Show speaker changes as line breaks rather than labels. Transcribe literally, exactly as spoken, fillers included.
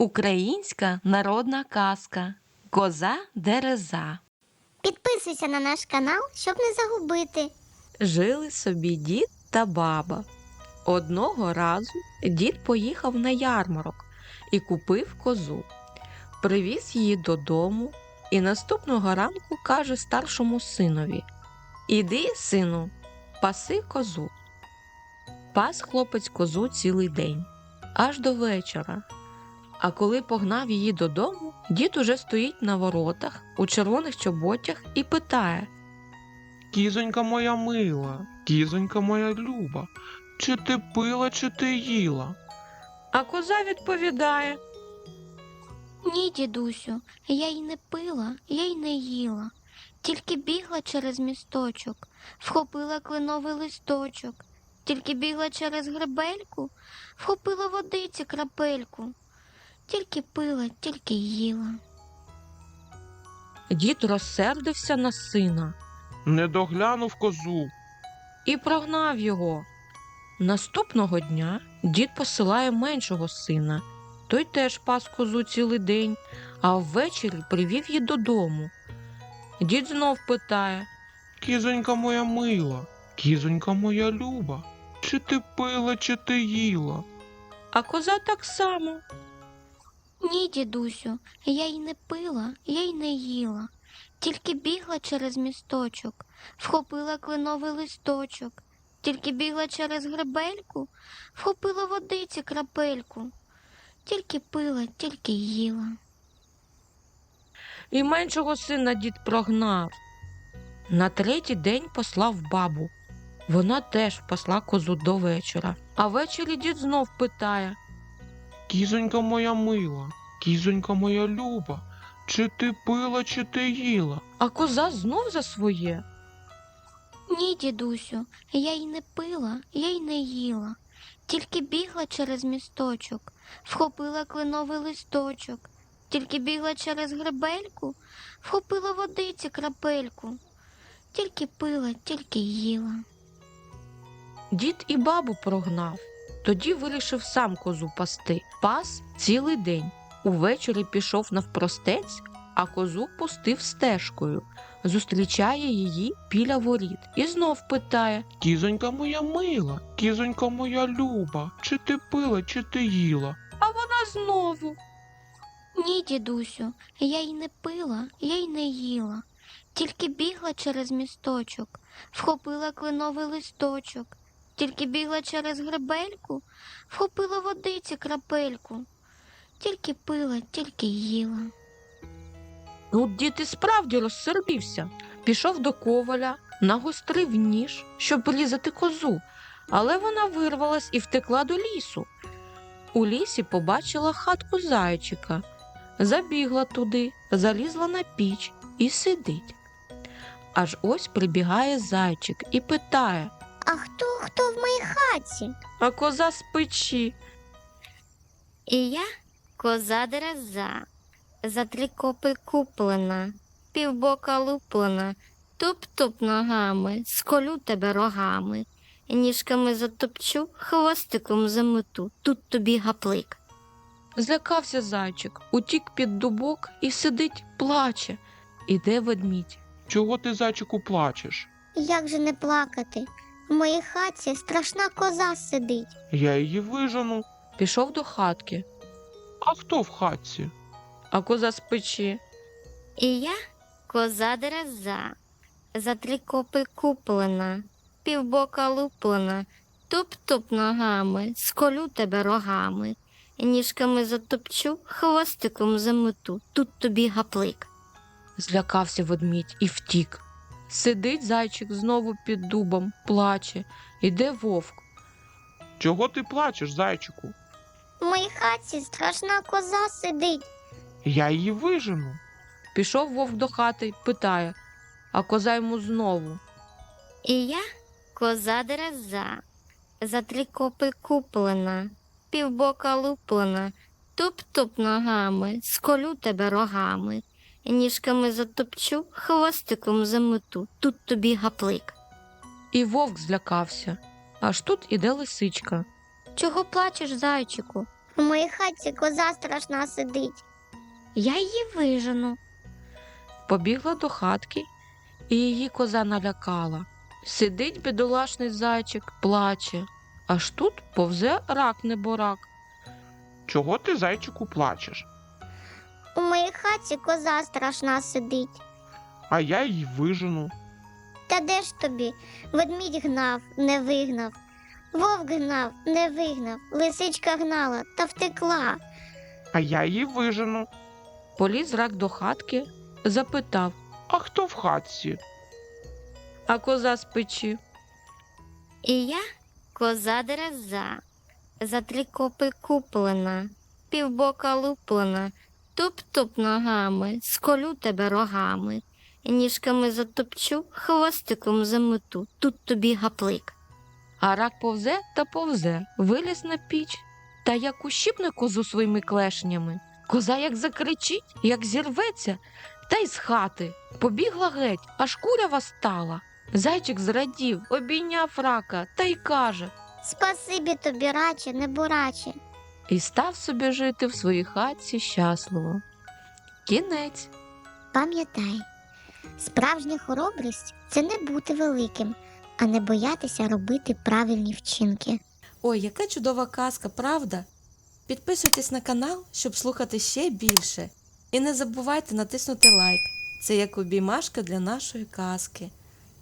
Українська народна казка Коза-дереза.
Підписуйся на наш канал, щоб не загубити.
Жили собі дід та баба. Одного разу дід поїхав на ярмарок і купив козу. Привіз її додому і наступного ранку каже старшому синові: «Іди, сину, паси козу». Пас хлопець козу цілий день, аж до вечора. А коли погнав її додому, дід уже стоїть на воротах у червоних чоботях і питає:
Кізонька моя мила, кізонька моя люба, чи ти пила, чи ти їла?
А коза відповідає:
Ні, дідусю, я й не пила, я й не їла, тільки бігла через місточок, вхопила кленовий листочок, тільки бігла через гребельку, вхопила водиці крапельку, тільки пила, тільки їла.
Дід розсердився на сина
Не доглянув козу.
і прогнав його. Наступного дня дід посилає меншого сина. Той теж пас козу цілий день, а ввечері привів її додому. Дід знов питає:
Кізонька моя мила, кізонька моя люба, чи ти пила, чи ти їла?
а коза так само.
Ні, дідусю, я й не пила, я й не їла, тільки бігла через місточок, вхопила кленовий листочок, тільки бігла через гребельку, вхопила водиці крапельку, тільки пила, тільки їла.
І меншого сина дід прогнав. На третій день послав бабу. Вона теж пасла козу до вечора. А ввечері дід знов питає:
Кізонька моя мила, кізонька моя люба, чи ти пила, чи ти їла?
а коза знов за своє.
Ні, дідусю, я й не пила, я й не їла, тільки бігла через місточок, вхопила кленовий листочок, тільки бігла через гребельку, вхопила водиці крапельку, тільки пила, тільки їла.
Дід і бабу прогнав. Тоді вирішив сам козу пасти. Пас цілий день. Увечері пішов навпростець, а козу пустив стежкою. Зустрічає її біля воріт і знов питає:
Кізонька моя мила, кізонька моя люба, чи ти пила, чи ти їла?
а вона знову.
Ні, дідусю, я й не пила, я й не їла, тільки бігла через місточок, вхопила кленовий листочок, тільки бігла через гребельку, вхопила водиці крапельку, тільки пила, тільки їла.
Тут дід і справді розсердився. Пішов до коваля, нагострив ніж, щоб різати козу, але вона вирвалась і втекла до лісу. У лісі побачила хатку зайчика. Забігла туди, залізла на піч і сидить. Аж ось прибігає зайчик і питає:
А хто хто в моїй хаті?
а коза з печі.
І я коза-дереза, за три копи куплена, півбока луплена, туп-туп ногами, сколю тебе рогами, ніжками затопчу, хвостиком замету, тут тобі гаплик.
Злякався зайчик, утік під дубок і сидить, плаче. Іде ведмідь.
Чого ти, зайчику, плачеш?
Як же не плакати? В моїй хаті страшна коза сидить.
Я її вижену.
Пішов до хатки,
А хто в хатці?
а коза з печі.
І я коза-дереза, за три копи куплена, півбока луплена, туп-туп ногами, сколю тебе рогами, ніжками затопчу, хвостиком замету, тут тобі гаплик.
Злякався ведмідь і втік. Сидить зайчик знову під дубом, плаче. Іде вовк.
Чого ти плачеш, зайчику?
В моїй хаті страшна коза сидить.
Я її вижену.
Пішов вовк до хати, питає, а коза йому знову.
І я коза-дереза, за три копи куплена, півбока луплена, туп-туп ногами, сколю тебе рогами, ніжками затопчу, хвостиком замету, тут тобі гаплик.
І вовк злякався. Аж тут іде лисичка.
Чого плачеш, зайчику?
У моїй хатці коза страшна сидить.
Я її вижену.
Побігла до хатки, і її коза налякала. Сидить бідолашний зайчик, плаче. Аж тут повзе рак-неборак.
Чого ти, зайчику, плачеш?
У моїй хатці коза страшна сидить.
А я її вижену.
Та де ж тобі? Ведмідь гнав, не вигнав. Вовк гнав, не вигнав. Лисичка гнала та втекла.
А я її вижену.
Поліз рак до хатки, запитав,
А хто в хатці?
а коза з печі.
І я коза дереза, за три копи куплена, півбока луплена, туп-туп ногами, сколю тебе рогами, ніжками затопчу, хвостиком замету, тут тобі гаплик.
А рак повзе та повзе, виліз на піч, та як ущипне козу своїми клешнями. Коза як закричить, як зірветься, та й з хати. Побігла геть, аж курява стала. Зайчик зрадів, обійняв рака та й каже,
Спасибі тобі, раче, не бураче.
і став собі жити в своїй хатці щасливо. Кінець.
Пам'ятай, справжня хоробрість – це не бути великим, а не боятися робити правильні вчинки.
Ой, яка чудова казка, правда? Підписуйтесь на канал, щоб слухати ще більше. І не забувайте натиснути лайк. Це як обіймашка для нашої казки.